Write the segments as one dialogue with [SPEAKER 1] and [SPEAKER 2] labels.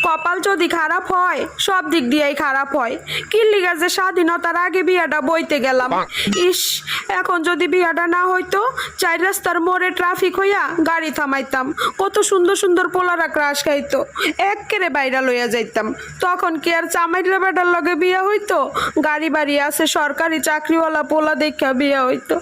[SPEAKER 1] কপাল যদি খারাপ হয় সব দিক দিয়েই খারাপ হয়। কিল্লিগা যে স্বাধীনতার আগে বিয়াটা বইতে গেলাম। ইস, এখন যদি বিয়াটা না হইতো, চার রাস্তার মোড়ে ট্রাফিক হইয়া গাড়ি থামাইতাম, কত সুন্দর সুন্দর পোলারা ক্রাশ খাইতো, এক্কেরে বাইরা লইয়া যাইতাম। তখন কি আর চামাইরা বেটার লগে বিয়া হইতো? গাড়ি বাড়ি আছে, সরকারি চাকরিওয়ালা পোলা দেখা বিয়া হইতো।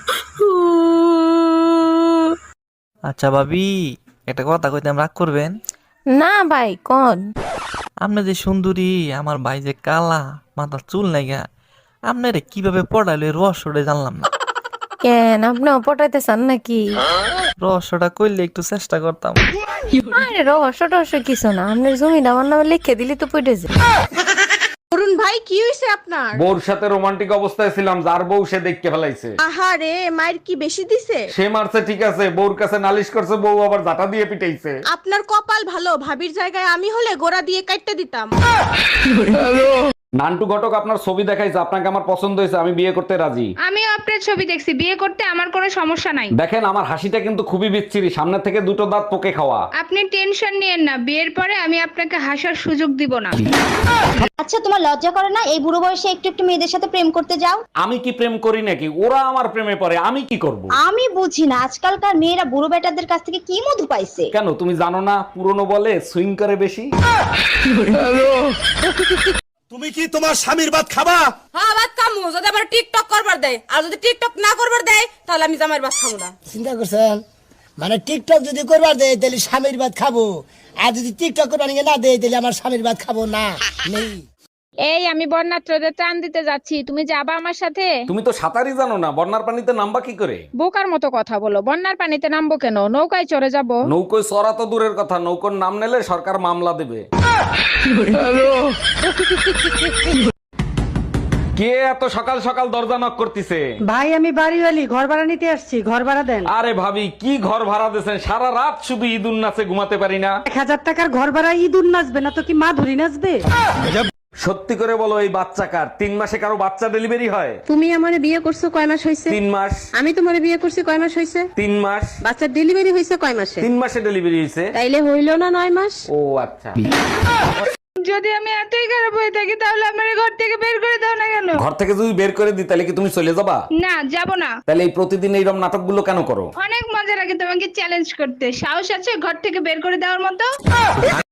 [SPEAKER 2] আচ্ছা ভাবি, একটা কথা কইতাম, রাগ করবেন?
[SPEAKER 3] না ভাই কোন
[SPEAKER 2] আপনি যে সুন্দরী, আমার ভাই যে কালা, মাথার চুল নাইগা, আপনারে কিভাবে পড়াইলে রহস্যটা জানলাম না।
[SPEAKER 3] কেন আপনিও পটাইতে চান নাকি?
[SPEAKER 2] রহস্যটা কইলে একটু চেষ্টা করতাম।
[SPEAKER 3] আরে রহস্য টহস্য কিছু না, আপনার জমিটা আমার নামে লিখে দিলি তো পড়ে যায়।
[SPEAKER 4] অরুণ ভাই কি হইছে আপনার?
[SPEAKER 5] বউর সাথে রোমান্টিক অবস্থায় ছিলাম, যার বউ সে দেখতে ফেলাইছে।
[SPEAKER 4] আহারে, মায়ের কি বেশি দিছে?
[SPEAKER 5] সে মারছে ঠিক আছে, বউর কাছে নালিশ করছে, বউ আবার জাটা দিয়ে পিটাইছে।
[SPEAKER 4] আপনার কপাল ভালো, ভাবির জায়গায় আমি হলে গোড়া দিয়ে কাটতে দিতাম।
[SPEAKER 5] নান্টু ঘটক আপনার ছবি দেখাইছে, আপনাকে আমার পছন্দ হয়েছে, আমি বিয়ে করতে রাজি।
[SPEAKER 6] আমিও আপনার ছবি দেখছি, বিয়ে করতে আমার কোনো সমস্যা নাই।
[SPEAKER 5] দেখেন আমার হাসিটা কিন্তু খুবই বিচ্ছিরি, সামনে থেকে দুটো দাঁত পোকে খাওয়া।
[SPEAKER 6] আপনি টেনশন নিয়েন না, বিয়ের পরে আমি আপনাকে হাসার সুযোগ দিব না।
[SPEAKER 7] আচ্ছা তোমার লজ্জা করে না এই বুড়ো বয়সে একটু একটু মেয়েদের সাথে প্রেম করতে যাও?
[SPEAKER 5] আমি কি প্রেম করি নাকি? ওরা আমার প্রেমে পড়ে, আমি কি করব?
[SPEAKER 7] আমি বুঝি না আজকালকার মেয়েরা বুড়ো বেটাদের কাছ থেকে কি মধু পাইছে।
[SPEAKER 5] কেন তুমি জানো না, পুরনো বলে সুইং করে বেশি।
[SPEAKER 8] তুমি কি তোমার স্বামীর ভাত খাবা?
[SPEAKER 9] হ্যাঁ ভাত খামু, যদি আমার টিকটক করবার দেয়, আর যদি টিকটক না করবার দেয় তাহলে আমি জামাইয়ের ভাত খামু না।
[SPEAKER 10] চিন্তা করছেন? মানে টিকটক যদি করবার দেয় তাহলে স্বামীর ভাত খাবো, আর যদি টিকটক করবার না দেয় তাহলে আমার স্বামীর ভাত খাবো না। নেই
[SPEAKER 6] এই আমি বন্যাত্রদের ত্রাণ দিতে যাচ্ছি, তুমি যাবা আমার সাথে?
[SPEAKER 5] তুমি তো সাঁতারই জানো না, বন্যার পানিতে নামবা কি করে?
[SPEAKER 6] বোকার মতো কথা বলো, বন্যার পানিতে নামবো কেন? নৌকায় চড়ে যাব।
[SPEAKER 5] নৌকোয় চড়া তো দূরের কথা, নৌকোর নাম নিলে সরকার মামলা দেবে। কে এত সকাল সকাল দরজা নক করতেছে?
[SPEAKER 11] ভাই আমি বাড়িওয়ালি, ঘর ভাড়া নিতে আসছি, ঘর ভাড়া দেন।
[SPEAKER 5] আরে ভাবি, কি ঘর ভাড়া দিয়েছেন? সারা রাত শুধু ঈদুন নাচে ঘুমাতে পারি না।
[SPEAKER 11] 1000 টাকার ঘর ভাড়া ইঁদুর নাচবে না তো কি মা ধরি নাচবে?
[SPEAKER 5] সত্যি করে বলো, এই বাচ্চা কার? 3 মাসে কারো বাচ্চা ডেলিভারি হয়?
[SPEAKER 4] তুমি আমারে বিয়ে করছো কয় মাস হইছে?
[SPEAKER 5] 3 মাস।
[SPEAKER 4] আমি তোমারে বিয়ে করছি কয় মাস হইছে?
[SPEAKER 5] 3 মাস।
[SPEAKER 4] বাচ্চার ডেলিভারি হইছে কয় মাসে?
[SPEAKER 5] 3 মাসে ডেলিভারি হয়েছে।
[SPEAKER 4] তাইলে হইল না 9 মাস?
[SPEAKER 5] ও আচ্ছা।
[SPEAKER 6] যদি আমি এতই খারাপ হয়ে থাকি তাহলে আমার ঘর থেকে বের করে দাও না কেন?
[SPEAKER 5] ঘর থেকে যদি বের করে দিই তাহলে কি তুমি চলে যাবা?
[SPEAKER 6] না, যাব না।
[SPEAKER 5] তাহলে এই প্রতিদিন এইরকম নাটকগুলো কেন করো?
[SPEAKER 6] অনেক মজা লাগে তোমাকে চ্যালেঞ্জ করতে। সাহস আছে ঘর থেকে বের করে দেওয়ার মতো?